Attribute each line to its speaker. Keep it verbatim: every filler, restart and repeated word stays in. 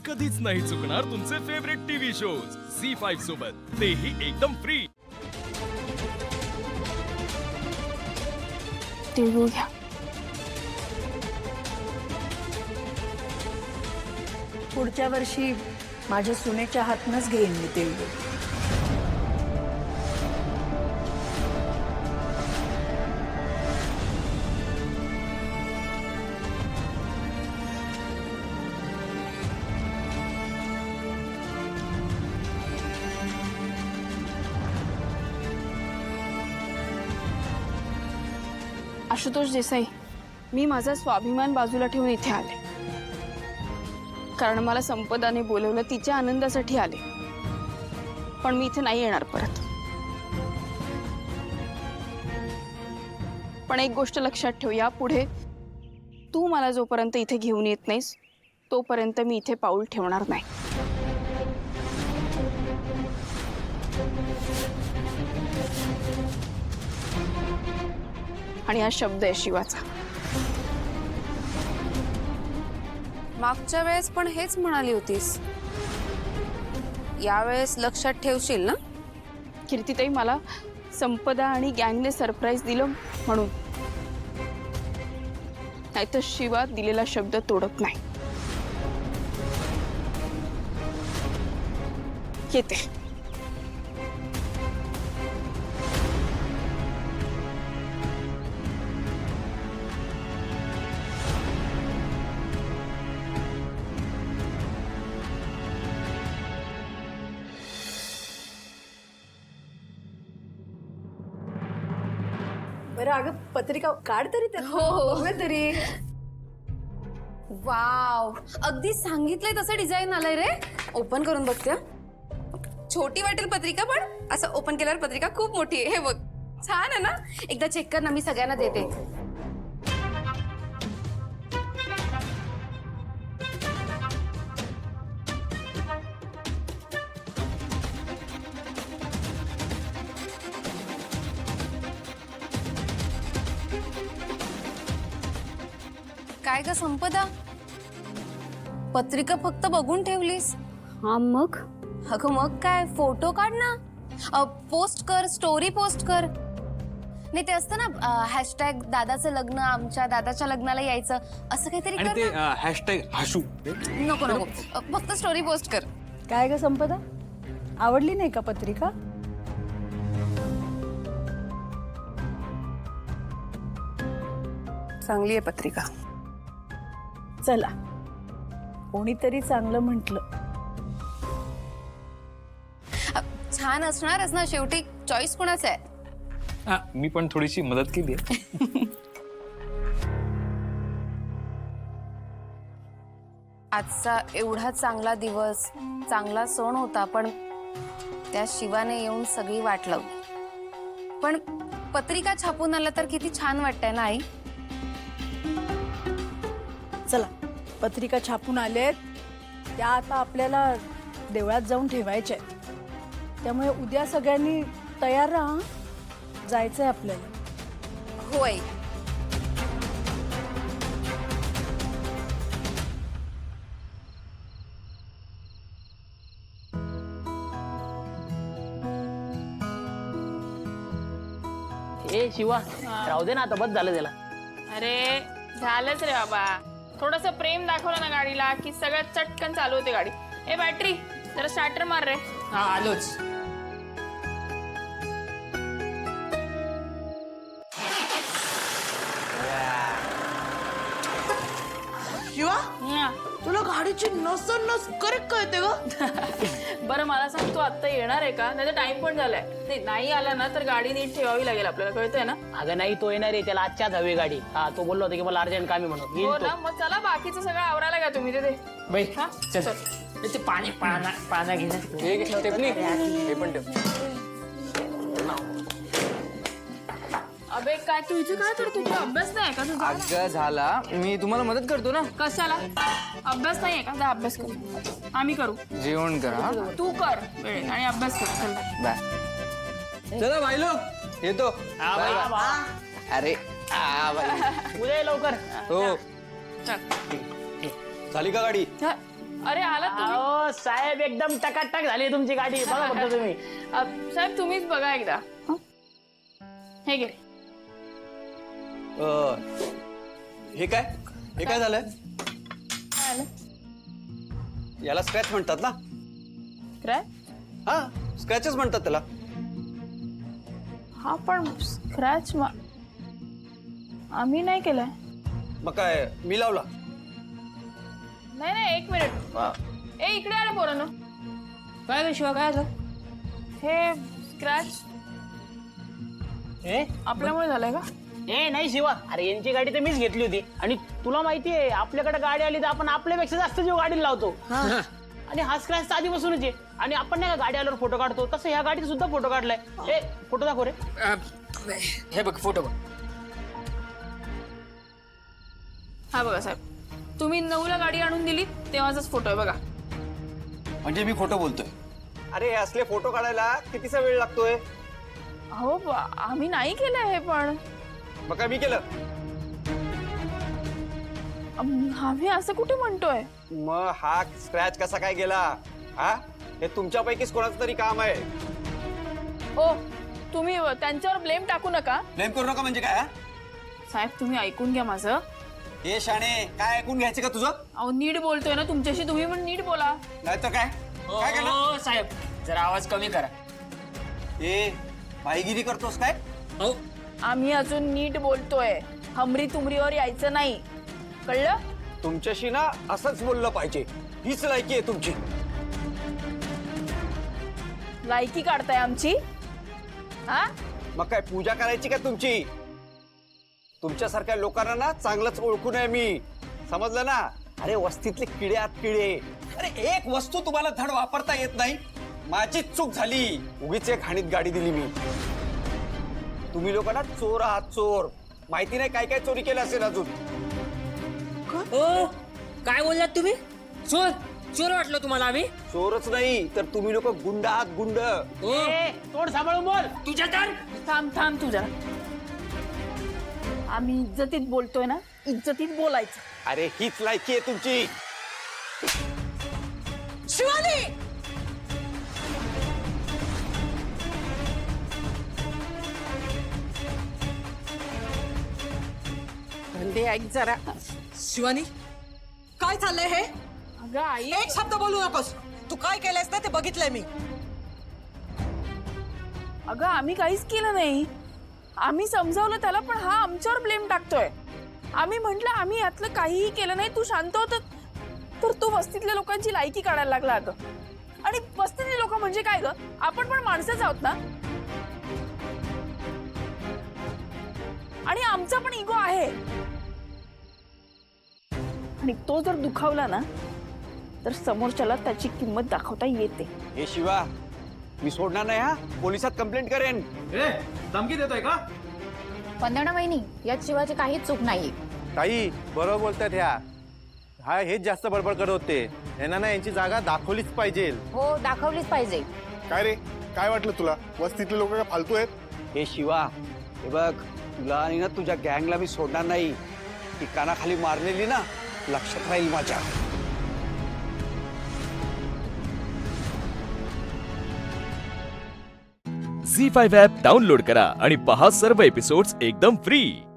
Speaker 1: कधीच नाही चुकणार तुमचे favourite TV shows C five सोबत, तेही एकदम फ्री।
Speaker 2: तिळगुळ घ्या।
Speaker 3: पुढच्या वर्षी माझ्या सुनेच्या हातनच घेईन मी तिळगुळ।
Speaker 2: आशुतोष देसाई, मी माझा स्वाभिमान बाजूला ठेवून इथे आले, कारण मला संपदाने बोलवलं, तिच्या आनंदासाठी आले। पण मी इथे नाही येणार परत। पण एक गोष्ट लक्षात ठेव, यापुढे तू मला जोपर्यंत इथे घेऊन येत नाहीस तोपर्यंत मी इथे पाऊल ठेवणार नाही। आणि हा शब्द आहे शिवाचा।
Speaker 4: मागच्या वेळेस पण हेच म्हणाली होतीस, यावेळेस लक्षात ठेवशील ना?
Speaker 2: कीर्तिताई, मला संपदा आणि गँगने सरप्राईज दिलं म्हणून, नाहीतर शिवा दिलेला शब्द तोडत नाही। येते।
Speaker 3: बरं अगं, पत्रिका काढ तरी त्यात।
Speaker 4: हो, हो.
Speaker 3: बघूया तरी।
Speaker 4: वाव, अगदी सांगितलंय तसं डिझाईन आलंय रे। ओपन करून बघते हं। छोटी वाटेल पत्रिका, पण असं ओपन केल्यावर पत्रिका खूप मोठी आहे। हे बघ, छान आहे ना? एकदा चेक कर ना, मी सगळ्यांना देते। काय ग संपदा, पत्रिका फक्त बघून ठेवलीस?
Speaker 2: हा मग?
Speaker 4: अगं मग काय, फोटो काढ ना, अ, पोस्ट कर, स्टोरी पोस्ट कर। नाही ते असतं ना, हॅशटॅग दादाचं लग्न, आमच्या दादाच्या लग्नाला यायचं, असं काहीतरी कर
Speaker 5: ते
Speaker 4: ना।
Speaker 5: हॅशटॅग हसू
Speaker 4: नको नको, अ, फक्त स्टोरी पोस्ट कर।
Speaker 3: काय ग संपदा, आवडली नाही का पत्रिका?
Speaker 4: चांगली आहे पत्रिका।
Speaker 3: चला, कोणीतरी चांगलं म्हटलं।
Speaker 4: अ, छान असणारच ना, शेवटी चॉईस कोणाचा आहे?
Speaker 5: हा, मी पण थोडीशी मदत केली आहे।
Speaker 4: आजचा एवढा चांगला दिवस, चांगला सण होता, पण त्या शिवाने येऊन सगळी वाट लावली। पण पत्रिका छापून आला तर किती छान वाटतंय ना आई?
Speaker 3: चला, पत्रिका छापून आलेत, त्या आता आपल्याला देवळात जाऊन ठेवायच्या आहेत। त्यामुळे उद्या सगळ्यांनी तयार राहा, जायचंय आपल्याला।
Speaker 4: होय।
Speaker 6: ए शिवा, राहू दे ना आता, बस झालं त्याला।
Speaker 2: अरे झालंच रे बाबा, थोडस प्रेम दाखवलं ना गाडीला की सगळं चटकन चालू होते गाडी। ए बॅटरी, जरा स्टार्टर मार रे।
Speaker 6: हा आलोच।
Speaker 7: शिवा,
Speaker 2: हा.
Speaker 7: तुला गाडीची नस नस करेक्ट कळते ग।
Speaker 2: बरं मला सांग, तू आता येणार आहे का? नाही तर टाइम पण झालाय। नाही नाही आला ना तर गाडी नीट ठेवावी लागेल आपल्याला, कळतंय ना?
Speaker 6: अगं नाही, तो येणार आहे, त्याला आजच्याच हवी गाडी। हा, तो बोललो होता की मला अर्जंट काम आहे म्हणून।
Speaker 2: हो
Speaker 6: येईल तो।
Speaker 2: ना, मग चला बाकीचं सगळं आवरायला घ्या तुम्ही तिथे।
Speaker 6: बाई
Speaker 2: हा?
Speaker 6: चल, ते पाणी पाना पाना घेण्यात
Speaker 5: हे पण ठेव।
Speaker 2: अबे काय तू इथे काय करतो? तुझा अभ्यास नाही का तुझा?
Speaker 8: अगं झाला, मी तुम्हाला मदत करतो ना।
Speaker 2: कशाला? अभ्यास नाहीये का? जा अभ्यास कर। आम्ही करू,
Speaker 8: जेवण करा।
Speaker 2: तू कर वेळेत आणि अभ्यास कर। चल
Speaker 8: बाय। चला भाई लोग, येतो।
Speaker 6: हा
Speaker 8: बाय
Speaker 6: बाई,
Speaker 8: बाय। अरे आ बाई,
Speaker 6: उद्या ये लवकर।
Speaker 8: हो।
Speaker 2: चल।
Speaker 5: झाली का गाडी?
Speaker 2: हा. अरे आला तुम्ही
Speaker 6: अहो साहेब एकदम टकाटक झाली तुमची गाडी बघा फक्त तुम्ही.
Speaker 2: अ, साहेब तुम्हीच बघा एकदा हं? हे घे.
Speaker 9: हे काय हे काय झालंय
Speaker 2: काय आलं?
Speaker 9: याला स्क्रॅच म्हणतात ना
Speaker 2: काय
Speaker 9: हा स्क्रॅचेस म्हणतात त्याला
Speaker 2: हा पण स्क्रॅच आम्ही नाही केलाय.
Speaker 9: मग काय मी लावला
Speaker 2: नाही नाही एक मिनिट अ, ए इकडे आलं पोरांनो.
Speaker 4: काय विश्वा काय झालं?
Speaker 2: हे स्क्रॅच
Speaker 6: ए
Speaker 2: आपल्यामुळे झालंय का?
Speaker 6: ए नाही शिवा, अरे यांची गाडी तर मीच घेतली होती आणि तुला माहितीये आपल्याकडे गाडी आली तर आपण आपल्यापेक्षा जास्त जीव गाडीला लावतो. आणि हा स्क्रॅच तर आधीपासूनच आहे आणि आपण नाही का गाडी आल्यावर फोटो काढतो तसं ह्या गाडीचा सुद्धा फोटो काढलाय. ए फोटो दाखव रे.
Speaker 8: हे बघ फोटो बघ.
Speaker 2: हा बघा साहेब, तुम्ही नऊला गाडी आणून दिली तेव्हाचाच फोटो आहे बघा.
Speaker 9: म्हणजे मी खोटं बोलतोय अरे हे असले फोटो काढायला कितीचा वेळ लागतोय
Speaker 2: हो बा- आम्ही नाही केलं हे पण
Speaker 9: मग काय मी केलं
Speaker 2: अम, आम्ही असं कुठे म्हणतोय.
Speaker 9: मग हा स्क्रॅच कसा काय गेला हा हे तुमच्यापैकीच कोणाचं तरी काम आहे
Speaker 2: ओ तुम्ही त्यांच्यावर ब्लेम टाकू नका.
Speaker 9: ब्लेम करू नका म्हणजे काय हा?
Speaker 2: साहेब तुम्ही ऐकून घ्या माझं.
Speaker 9: हे शाणे काय ऐकून घ्यायचं का तुझं
Speaker 2: अहो नीट बोलतोय ना तुमच्याशी, तुम्ही पण नीट बोला.
Speaker 9: नाही तर काय काय करणार
Speaker 8: हो साहेब जरा आवाज कमी करा.
Speaker 9: ए भाईगिरी करतोस काय
Speaker 8: हो
Speaker 2: आम्ही अजून नीट बोलतोय, हमरी तुमरीवर यायचं नाही, कळलं?
Speaker 9: तुमच्याशी ना असंच बोललं पाहिजे हीच लायकी आहे तुमची
Speaker 2: लायकी काढताय आमची हा?
Speaker 9: मग काय पूजा करायची का तुमची तुमच्यासारख्या लोकांना ना चांगलंच ओळखून आहे मी समजलं ना. अरे वस्तीतले किडे आत किडे. अरे एक वस्तू तुम्हाला धड वापरता येत नाही माझीच चूक झाली उगीच एक हाणीत गाडी दिली मी. तुम्ही लोकांना चोर आहात चोर माहिती नाही काय काय चोरी केलं असेल अजून.
Speaker 8: ओ काय बोललात तुम्ही चोर चोर वाटलं तुम्हाला आम्ही
Speaker 9: चोरच नाही तर तुम्ही लोक गुंड आहात गुंड.
Speaker 6: ए तोड सांभाळून बोल.
Speaker 8: तुझ्या तर
Speaker 2: थांब थांब तुझा. आम्ही इज्जतीत बोलतोय ना, इज्जतीत बोलायचं.
Speaker 9: अरे हीच लायकी आहे तुमची.
Speaker 7: शिवानी धंदे ऐक जरा. शिवानी काय चाललंय हे?
Speaker 2: अगं आई
Speaker 7: एक शब्द बोलू नकोस. तू काय केलंयस ना ते बघितलंय मी.
Speaker 2: अगं आम्ही काहीच केलं नाही. आम्ही समजावलं त्याला पण हा आमच्यावर ब्लेम टाकतोय. आम्ही म्हंटल आम्ही यातलं काहीही केलं नाही, तू शांत होत तर तो वस्तीतल्या लोकांची लायकी काढायला लागला. अगं आणि वस्तीतली लोक म्हणजे काय ग, आपण पण माणसंच आहोत ना. आणि आमचा पण इगो आहे आणि तो जर दुखावला ना तर समोरच्याला त्याची किंमत दाखवता येते.
Speaker 9: हे शिवा मी सोडणार नाही हा पोलिसात कंप्लेंट करेन.
Speaker 1: ए धमकी देतोय का?
Speaker 4: वंदना वहिनी यात शिवाची काहीच चूक नाहीये.
Speaker 10: ताई बरोबर बोलतात ह्या. हा हेच जास्त बडबड करत होते. यांना ना यांची जागा दाखवलीच पाहिजे.
Speaker 4: हो दाखवलीच पाहिजे.
Speaker 10: काय रे काय वाटलं तुला वस्तीतले लोक काय फालतू आहेत?
Speaker 9: हे शिवा हे बघ तुला आणि ना तुझ्या गँगला मी सोडणार नाही. ती कानाखाली मारलेली ना लक्षात राहील माझ्या.
Speaker 1: झी फाईव्ह ॲप डाउनलोड करा आणि पहा सर्व एपिसोड्स एकदम फ्री.